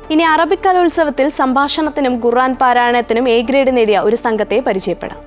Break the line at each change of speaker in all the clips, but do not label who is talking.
ഇനി അറബിക് കലോത്സവത്തിൽ സംഭാഷണത്തിനും ഖുർആൻ പാരായണത്തിനും A grade നേടിയ ഒരു സംഘത്തെ പരിചയപ്പെടാം.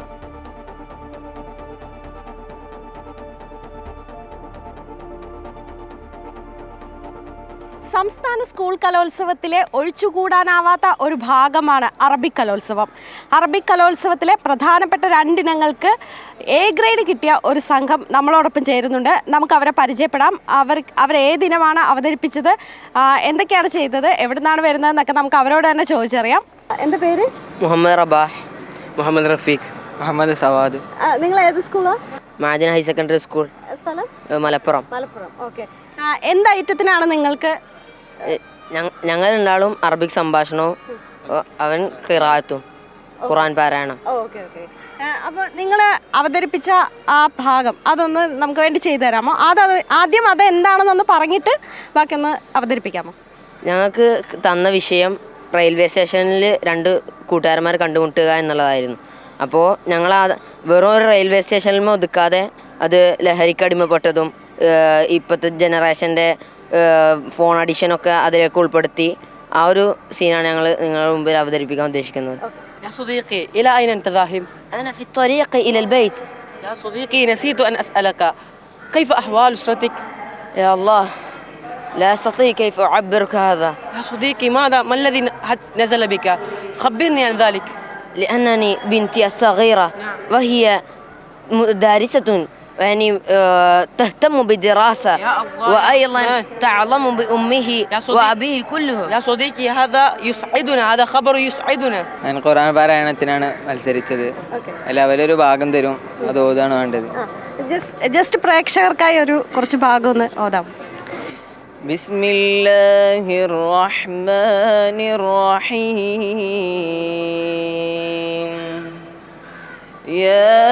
സംസ്ഥാന സ്കൂൾ കലോത്സവത്തിലെ ഒഴിച്ചുകൂടാനാവാത്ത ഒരു ഭാഗമാണ് അറബിക് കലോത്സവം. അറബിക് കലോത്സവത്തിലെ പ്രധാനപ്പെട്ട 2 ഇനങ്ങൾക്ക് എ ഗ്രേഡ് കിട്ടിയ ഒരു സംഘം നമ്മളോടൊപ്പം ചേരുന്നുണ്ട്. നമുക്ക് അവരെ പരിചയപ്പെടാം. അവർ ഏതിനമാണ് അവതരിപ്പിച്ചത്, എന്തൊക്കെയാണ് ചെയ്തത്, എവിടെ നിന്നാണ് വരുന്നതെന്നൊക്കെ നമുക്ക് അവരോട് തന്നെ ചോദിച്ചറിയാം. എൻ്റെ പേര്
മുഹമ്മദ് റബാഹ്, മുഹമ്മദ് റഫീഖ്, മുഹമ്മദ് സവാദ്.
നിങ്ങൾ ഏത് സ്കൂളാണ്?
മാദിന ഹയർ സെക്കൻഡറി സ്കൂൾ,
സ്ഥലം
മലപ്പുറം.
ഓക്കെ. എന്ത് ഐറ്റത്തിനാണ് നിങ്ങൾക്ക്?
ഞങ്ങൾ രണ്ടാളും അറബിക് സംഭാഷണവും അവൻ ഖിറാഅത്തും ഖുർആൻ പാരായണം.
അപ്പോൾ നിങ്ങൾ അവതരിപ്പിച്ച ആ ഭാഗം അതൊന്ന് നമുക്ക് വേണ്ടി ചെയ്തു തരാമോ? ആദ്യം അത് എന്താണെന്നൊന്ന് പറഞ്ഞിട്ട് ബാക്കിയൊന്ന് അവതരിപ്പിക്കാമോ?
ഞങ്ങൾക്ക് തന്ന വിഷയം റെയിൽവേ സ്റ്റേഷനിൽ 2 കൂട്ടുകാരന്മാർ കണ്ടുമുട്ടുക എന്നുള്ളതായിരുന്നു. അപ്പോൾ ഞങ്ങൾ വെറും ഒരു റെയിൽവേ സ്റ്റേഷനിൽ ഒതുക്കാതെ അത് ലഹരിക്ക് അടിമപ്പെട്ടതും ഇപ്പോഴത്തെ ജനറേഷൻ്റെ ഫോൺ അഡിക്ഷനൊക്കെ അതിലേക്ക് ഉൾപ്പെടുത്തി ആ ഒരു സീനാണ് ഞങ്ങൾ നിങ്ങളുടെ മുമ്പിൽ അവതരിപ്പിക്കാൻ ഉദ്ദേശിക്കുന്നത്.
يا صديقي إلى أين أنت ذاهب؟
أنا في الطريق إلى البيت.
يا صديقي نسيت أن أسألك كيف أحوال أسرتك؟
يا الله لا أستطيع كيف أعبرك هذا.
يا صديقي ما الذي نزل بك؟ خبرني عن ذلك.
لأنني بنتي الصغيرة وهي دارسة يعني تهتم بالدراسة وأيضا تعلم بأمه وأبيه كله.
يا صديقي هذا يسعدنا، هذا خبر يسعدنا.
ഞാൻ ഖുർആൻ പാരായണത്തിനാണ് മത്സരിച്ചത്. എല്ലാവരും ഒരു ഭാഗം തരും, അത് ഓതാണ് വേണ്ടത്.
ജസ്റ്റ് പ്രേക്ഷകർക്കായി ഒരു കുറച്ച് ഭാഗം ഒന്ന് ഓതാം.
ബിസ്മില്ലാഹിർ റഹ്മാനിർ റഹീം. യാ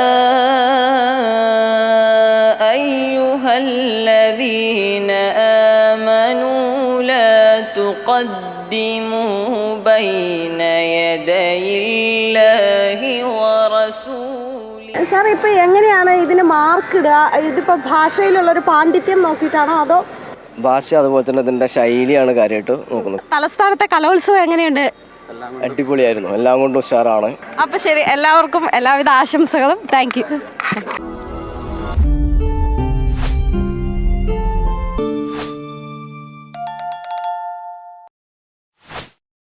الذين آمنوا لا تقدموا بين يدي الله ورسوله.
സാർ, ഇപ്പോൾ എങ്ങനെയാണ് ഇതിന് മാർക്ക് ഇടുക? ഇതിപ്പോൾ ഭാഷയിലുള്ളൊരു പാണ്ഡിത്യം നോക്കിയിട്ടാണോ അതോ?
ഭാഷ അതുപോലെ തന്നെ ഇതിൻ്റെ ശൈലിയാണ് കാര്യമായിട്ട് നോക്കുന്നത്.
തലസ്ഥാനത്തെ കലോത്സവം എങ്ങനെയുണ്ട്?
അടിപൊളിയായിരുന്നു, എല്ലാം കൊണ്ടും ഉഷാറാണ്.
അപ്പോൾ ശരി, എല്ലാവർക്കും എല്ലാവിധ ആശംസകളും. Thank U.